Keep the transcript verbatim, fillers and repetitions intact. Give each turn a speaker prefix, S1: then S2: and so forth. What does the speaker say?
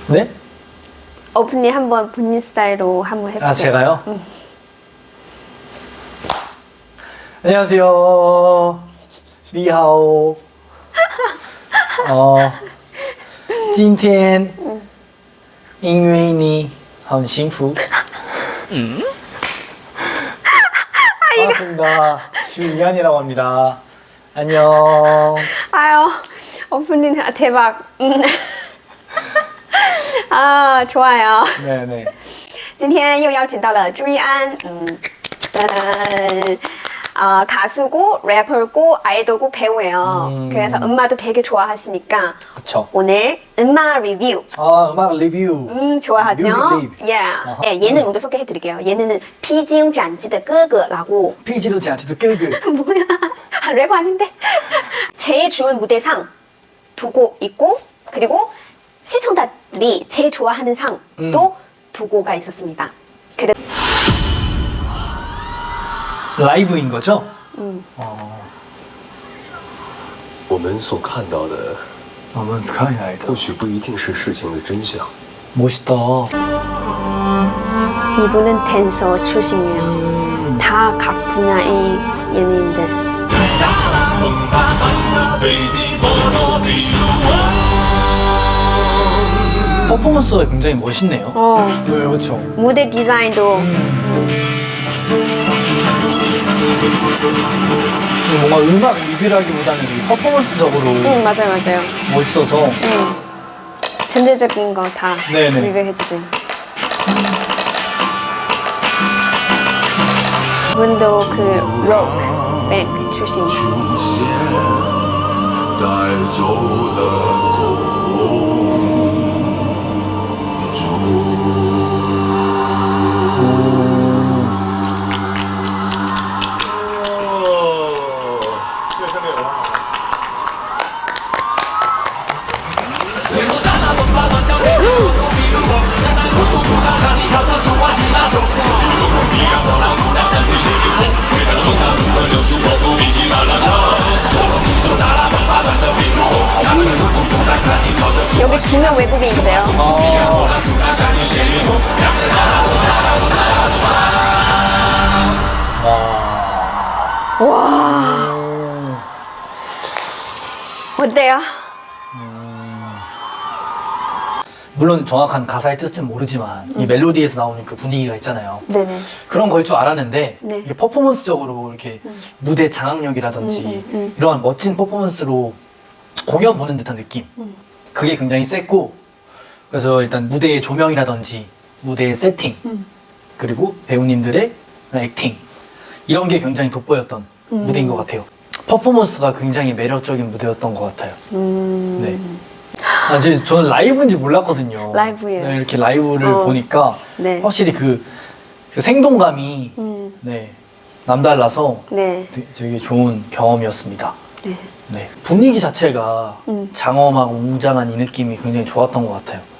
S1: 네?
S2: 오프닝 한번 본인 스타일로 한번 해보세요.
S1: 아, 제가요?
S2: 응.
S1: 안녕하세요. 리하오. 어, 今天因为你很幸福. 음? 반갑습니다. 주이한이라고 합니다. 안녕.
S2: 아유, 오프닝 아, 대박. 음. 아, 좋아요.
S1: 네네.
S2: 今天又邀请到了朱一安，嗯，음, 어, 가수고 래퍼고 아이돌고 배우예요.
S1: 음.
S2: 그래서 음악도 되게 좋아하시니까
S1: 그쵸.
S2: 오늘 음악 리뷰.
S1: 아, 음악 리뷰.
S2: 음, 좋아하죠?
S1: 뮤직 리뷰.
S2: Yeah.
S1: 어허.
S2: 예, 얘는 먼저 소개해드릴게요. 얘는 피지웅 잔지의 哥哥라고.
S1: 피지도 잔치도 끄그.
S2: 뭐야? 아, 랩 아닌데? 제일 좋은 무대상 두 곡 있고, 그리고 시청자들이 제일 좋아하는 상도
S1: 음.
S2: 두 곡가 있었습니다. 그래.
S1: 라이브인 거죠?
S2: 음.
S1: 어,
S3: 我们所看到的
S1: 너무 스카이라이더.
S3: 或许不一定是事情的真相。
S1: 멋있다.
S2: 이분은 댄서 출신이에요. 다 각 분야의 연예인들.
S1: 퍼포먼스가 굉장히 멋있네요.
S2: 어,
S1: 네, 그렇죠.
S2: 무대 디자인도
S1: 뭔가 음악 리뷰라기보다는 이 퍼포먼스적으로
S2: 응, 맞아요, 맞아요.
S1: 멋있어서
S2: 응. 전체적인 거 다
S1: 네네.
S2: 리뷰해주세요. 이분도 그 록 밴드 출신.
S3: 出现，带走了公主。
S2: 여기 두 명 외국인 있어요.
S1: 어,
S2: 와,
S1: 음,
S2: 어때요?
S1: 물론 정확한 가사의 뜻은 모르지만 이 멜로디에서 나오는 그 분위기가 있잖아요.
S2: 네네.
S1: 그런 걸 줄 알았는데
S2: 네.
S1: 이게 퍼포먼스적으로 이렇게 무대 장악력이라든지
S2: 음, 음, 음.
S1: 이러한 멋진 퍼포먼스로 공연 보는 듯한 느낌,
S2: 음.
S1: 그게 굉장히 셌고, 그래서 일단 무대의 조명이라든지 무대의 세팅,
S2: 음.
S1: 그리고 배우님들의 액팅, 이런 게 굉장히 돋보였던
S2: 음.
S1: 무대인 것 같아요. 퍼포먼스가 굉장히 매력적인 무대였던 것 같아요.
S2: 음.
S1: 네. 아, 저, 저는 라이브인지 몰랐거든요.
S2: 라이브예요.
S1: 네, 이렇게 라이브를
S2: 어.
S1: 보니까
S2: 네.
S1: 확실히 그, 그 생동감이
S2: 음.
S1: 네, 남달라서
S2: 네.
S1: 되- 되게 좋은 경험이었습니다.
S2: 네.
S1: 네. 분위기 자체가
S2: 음.
S1: 장엄하고 웅장한 이 느낌이 굉장히 좋았던 것 같아요.